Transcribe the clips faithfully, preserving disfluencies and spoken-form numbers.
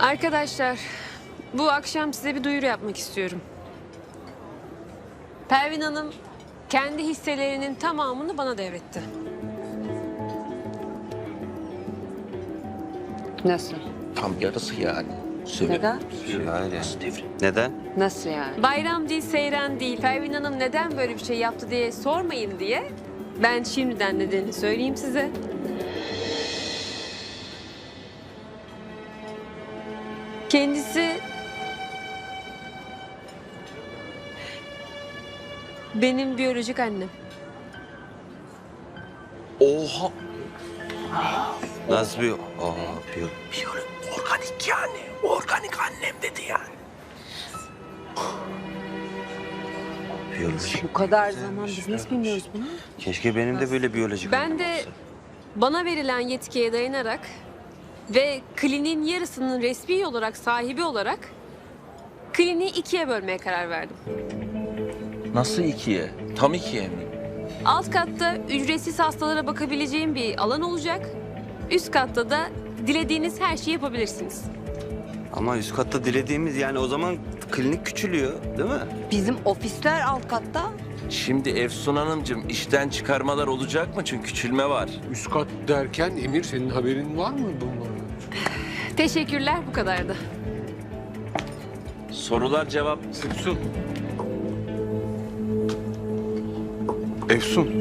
Arkadaşlar, bu akşam size bir duyuru yapmak istiyorum. Pervin Hanım kendi hisselerinin tamamını bana devretti. Nasıl? Tam yarısı yani. Söyle. Neden? Yani. Nasıl devrim? Neden? Nasıl yani? Bayram değil, seyran değil. Pervin Hanım neden böyle bir şey yaptı diye sormayın diye ben şimdiden nedenini söyleyeyim size. Kendisi benim biyolojik annem. Oha. Nasıl bir... Aa, bir... Biyolojik, organik yani. Organik annem dedi yani. Biyolojik. Bu kadar zaman biz nasıl bilmiyoruz bunu? Keşke benim de böyle biyolojik Ben annem de olsa. bana verilen yetkiye dayanarak ve kliniğin yarısının resmi olarak sahibi olarak kliniği ikiye bölmeye karar verdim. Nasıl ikiye? Tam ikiye mi? Alt katta ücretsiz hastalara bakabileceğim bir alan olacak. Üst katta da dilediğiniz her şeyi yapabilirsiniz. Ama üst katta dilediğimiz yani o zaman klinik küçülüyor değil mi? Bizim ofisler alt katta. Şimdi Efsun Hanımcığım işten çıkarmalar olacak mı? Çünkü küçülme var. Üst kat derken Emir senin haberin var mı bunlardan? Teşekkürler, bu kadardı. Sorular cevap. Efsun. Efsun.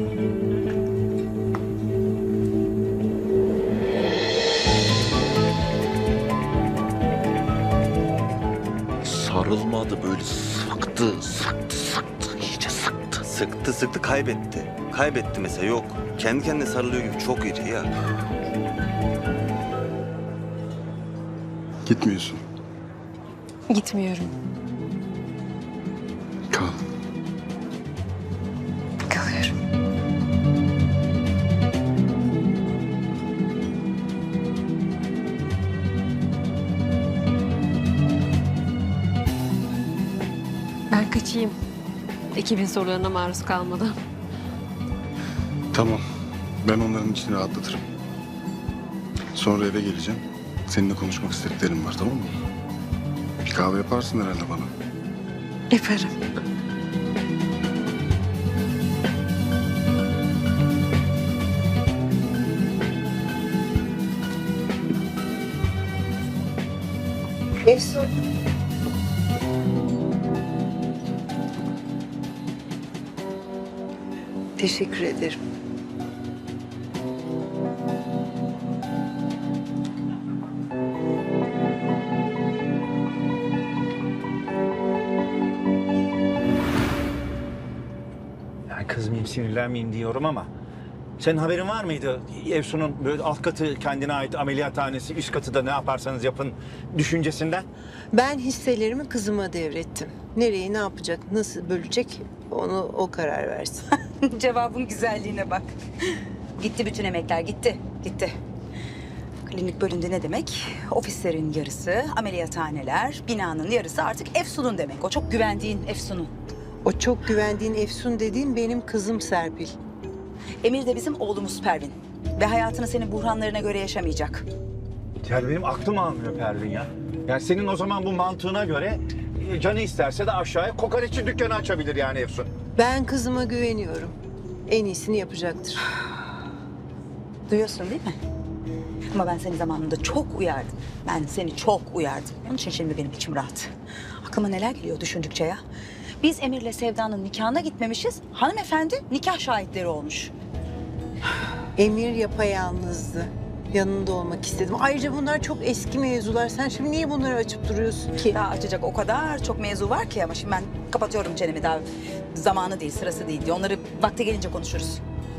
Sarılmadı böyle sıktı, sıktı, sıktı. İyice sıktı. Sıktı sıktı kaybetti. Kaybetti mesela yok. Kendi kendine sarılıyor gibi çok iri ya. Gitmiyorsun. Gitmiyorum. Kal. Kalıyorum. Ben kaçayım. Ekibin sorularına maruz kalmadan. Tamam. Ben onların içini rahatlatırım. Sonra eve geleceğim. Seninle konuşmak istediklerim var, tamam mı? Bir kahve yaparsın herhalde bana. Yaparım. Efsun. Teşekkür ederim. Yani kızmayayım, sinirlenmeyeyim diyorum ama senin haberin var mıydı? Efsun'un böyle alt katı kendine ait ameliyathanesi, üst katı da ne yaparsanız yapın düşüncesinden. Ben hisselerimi kızıma devrettim. Nereye, ne yapacak, nasıl bölecek onu o karar versin. Cevabın güzelliğine bak. Gitti bütün emekler, gitti, gitti. Klinik bölündü ne demek? Ofislerin yarısı, ameliyathaneler, binanın yarısı artık Efsun'un demek. O çok güvendiğin Efsun'un. O çok güvendiğin Efsun dediğin benim kızım Serpil. Emir de bizim oğlumuz Pervin. Ve hayatını senin buhranlarına göre yaşamayacak. Yani benim aklım almıyor Pervin ya. Yani senin o zaman bu mantığına göre e, canı isterse de aşağıya kokoreççi dükkanı açabilir yani Efsun. Ben kızıma güveniyorum. En iyisini yapacaktır. Duyuyorsun değil mi? Ama ben seni zamanında çok uyardım. Ben seni çok uyardım. Onun için şimdi benim içim rahat. Aklıma neler geliyor düşündükçe ya. Biz Emir'le Sevda'nın nikahına gitmemişiz. Hanımefendi nikah şahitleri olmuş. Emir yapayalnızdı. Yanında olmak istedim. Ayrıca bunlar çok eski mevzular. Sen şimdi niye bunları açıp duruyorsun ki? Daha açacak o kadar çok mevzu var ki ama şimdi ben kapatıyorum çenemi daha. Zamanı değil, sırası değil diye. Onları vakti gelince konuşuruz.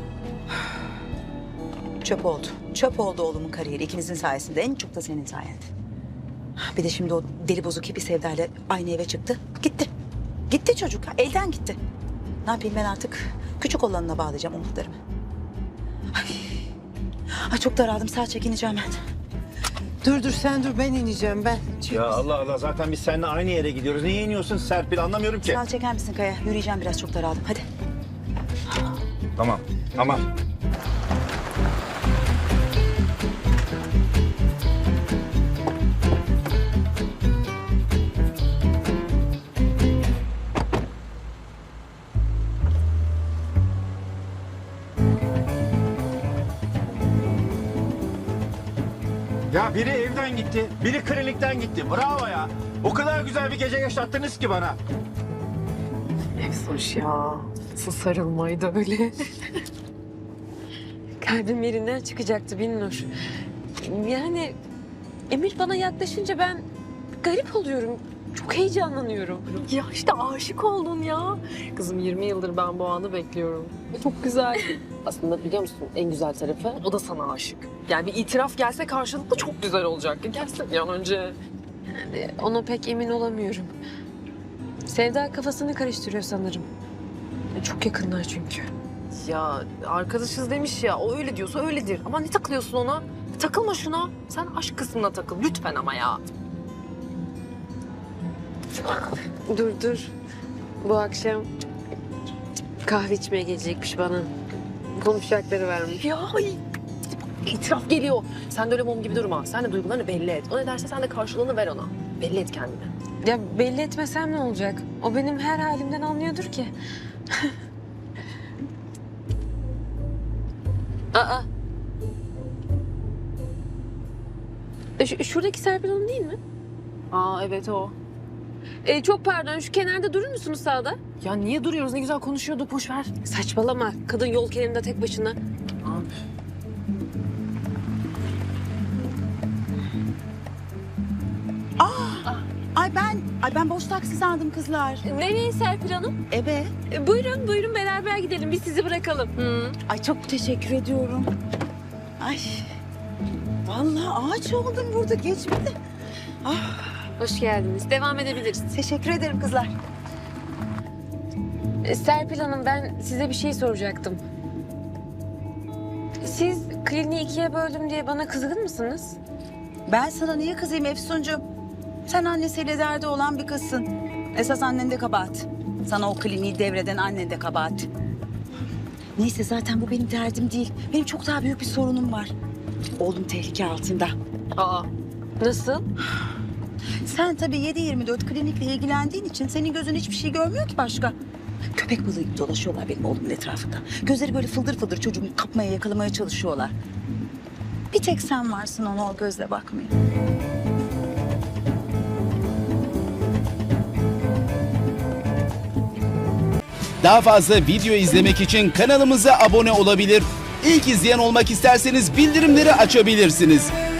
Çöp oldu. Çöp oldu oğlumun kariyeri. İkinizin sayesinde. En çok da senin sayende. Bir de şimdi o deli bozuk hippie Sevda'yla aynı eve çıktı. Gitti. Gitti çocuk. Elden gitti. Ne yapayım ben artık? Küçük olanına bağlayacağım umutlarımı. Ay. Ay çok daraldım. Sağ çekineceğim ben. Dur dur sen dur ben ineceğim ben. Ya Allah Allah zaten biz seninle aynı yere gidiyoruz. Niye iniyorsun Serpil anlamıyorum ki. Sağ çeker misin Kaya? Yürüyeceğim biraz çok daraldım. Hadi. Tamam, tamam. Ya biri evden gitti, biri klinikten gitti. Bravo ya. O kadar güzel bir gece yaşattınız ki bana. Efsoş ya. Nasıl sarılmaydı öyle. Kalbim yerinden çıkacaktı Binnur. Yani Emir bana yaklaşınca ben garip oluyorum. Çok heyecanlanıyorum. Ya işte aşık oldun ya. Kızım yirmi yıldır ben bu anı bekliyorum. Çok güzel. Aslında biliyor musun en güzel tarafı? O da sana aşık. Yani bir itiraf gelse karşılıklı çok güzel olacak. Gelsin bir an önce. Yani ona pek emin olamıyorum. Sevda kafasını karıştırıyor sanırım. Çok yakınlar çünkü. Ya arkadaşız demiş ya, o öyle diyorsa öyledir. Ama ne takılıyorsun ona? Takılma şuna. Sen aşk kısmına takıl lütfen ama ya. Dur dur. Bu akşam kahve içmeye gelecekmiş bana. Konuşacakları varmış. Ya ay, itiraf geliyor. Sen de öyle mum gibi durma. Sen de duygularını belli et. O ne derse sen de karşılığını ver ona. Belli et kendini. Ya belli etmesem ne olacak? O benim her halimden anlıyordur ki. Aa. E, şu- şuradaki Serpil Hanım değil mi? Aa evet o. E, çok pardon, şu kenarda durur musunuz sağda? Ya niye duruyoruz? Ne güzel konuşuyorduk. Boş ver. Saçmalama. Kadın yol kenarında tek başına. Abi. Ay ben, ay ben boş taksi sandım kızlar. Nereye Serpil Hanım? Ebe. E, buyurun, buyurun beraber gidelim. Biz sizi bırakalım. Hı. Ay çok teşekkür ediyorum. Ay. Vallahi ağaç oldum burada geçmedi. Hoş geldiniz. Devam edebiliriz. Teşekkür ederim kızlar. E, Serpil Hanım, ben size bir şey soracaktım. Siz kliniği ikiye böldüm diye bana kızgın mısınız? Ben sana niye kızayım Efsuncuğum? Sen annesiyle derdi olan bir kızsın. Esas annen de kabahat. Sana o kliniği devreden annen de kabahat. Neyse zaten bu benim derdim değil. Benim çok daha büyük bir sorunum var. Oğlum tehlike altında. Aa, nasıl? Sen tabii yedi yirmi dört klinikle ilgilendiğin için senin gözün hiçbir şey görmüyor ki başka. Köpek balığı gibi dolaşıyorlar benim oğlumun etrafında. Gözleri böyle fıldır fıldır çocuğumu kapmaya, yakalamaya çalışıyorlar. Bir tek sen varsın ona o gözle bakmaya. Daha fazla video izlemek için kanalımıza abone olabilir. İlk izleyen olmak isterseniz bildirimleri açabilirsiniz.